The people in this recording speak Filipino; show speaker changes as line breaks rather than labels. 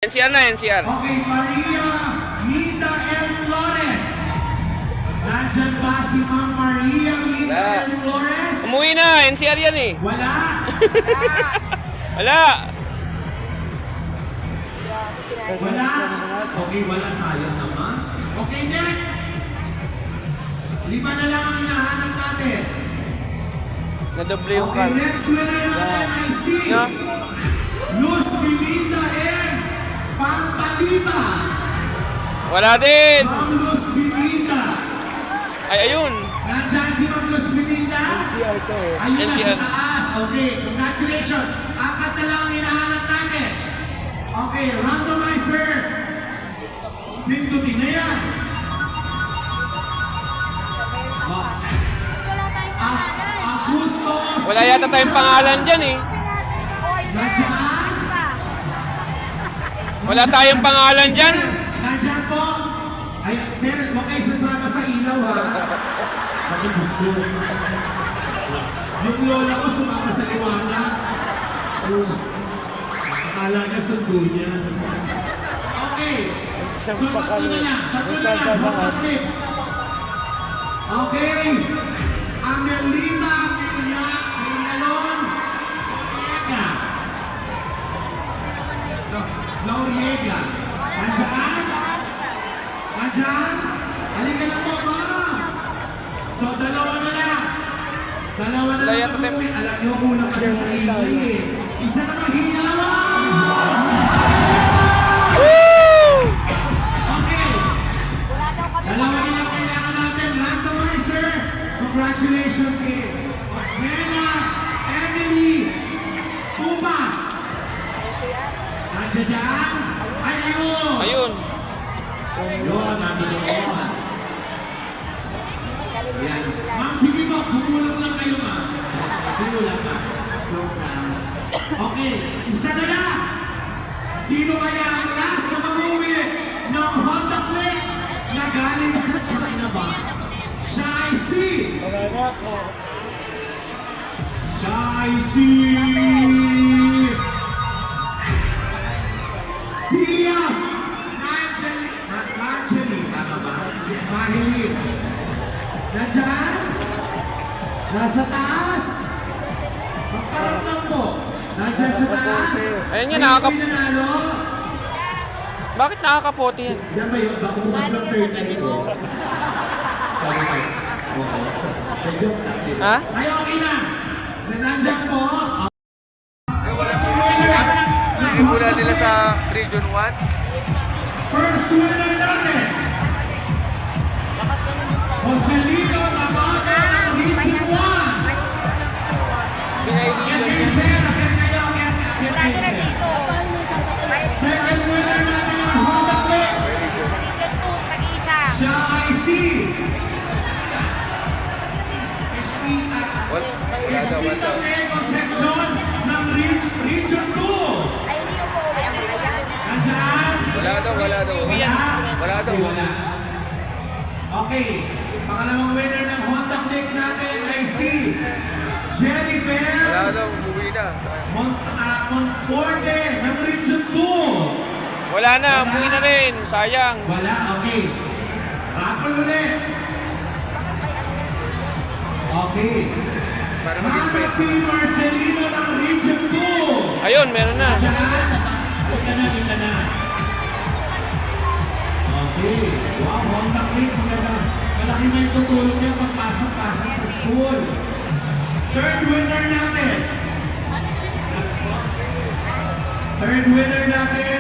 NCR na, NCR.
Okay, Maria Nita L. Flores. Nandyan ba si Ma'am Maria Nita L. Flores?
Umuwi na, NCR yan eh.
Wala.
Wala.
Wala. Okay, wala. Sayang naman. Okay, next. 5 na lang ang hinahanap natin.
Nadoble yung
Okay,
card.
next winner natin ay si
No?
Luz Bilinda and Pantalita.
Wala din.
Ma'am Luz Bilinda.
Ay, ayun.
Nandyan si Ma'am Luz Bilinda? Ayun na sa
NCR.
taas. Okay, congratulations. Apat na lang ang hinahanap natin. Okay, randomizer. Pindutin na yan. Agustos.
Wala yata tayong pangalan dyan eh.
Nandyan?
Wala tayong pangalan dyan.
Nandyan po. Ay, sir, huwag kayo sasama sa ilaw ha. Bakit Diyos ko? Yung lola ko sumama sa liwanag. Akala niya sundo niya. Okay. So, tatlo na. Hotclip. Okay. Amelita Villalon Noriega. Noriega. Nandyan? Nandyan? Halika lang po, para. So, dalawa na lang. Dalawa na lang mag-uwi. Alam niyo, kulang kasi sa ingay eh. Isa na maghiyawan! Okay. Dalawa na lang kailangan natin. Randomizer. Congratulations kay Jenna Emily Pumas. Nandiyan dyan? Ayun!
Ayun.
Yun, nandiyan yun. Yan. Ma'am, sige po, bumulong lang kayo, ma'am. Bumulong lang. Joke lang. Okay, isa na lang. Sino kaya ang last sa mag-uwi ng Honda Click na galing sa China ba? Siya ay si... Siya ay si... Pias Marjorie. Tama ba? Mahilig. Nandyan? Nasa taas? Magparamdam mo. Nandyan sa taas?
Ayun yun, nakaka...
May nanalo?
Bakit nakakapote yan?
Yan ba yun? Baka bukas ng third eye ko. Sorry, sir. Oo. May joke natin.
Ha?
Ay, okay na. Nandyan po.
Nagimula nila sa Region 1.
First winner natin. Joselito Nabaga ng Region 1. Yan kayo, sir. Yan kayo. Yan kayo, sir. Second winner natin ang Honda Click. Siya ay si Espita Tego Section ng Region 2. Nandyan?
Wala daw.
Wala?
Wala daw.
Okay, wala. Okay, pangalawang winner ng Honda Click natin ay si Jerry Bell
daw, umuwi na.
Monforte ng Region 2.
Wala na, umuwi na rin. Sayang.
Wala, okay. Raffle ulit. Okay. Mama P. Marcelino ng Region 2.
Ayun, meron na.
Diyan. Kita na. Okay. Wow, Honda Click. Malaki na yung tutulong niya pagpasok-pasok sa school. Third winner natin. Third winner natin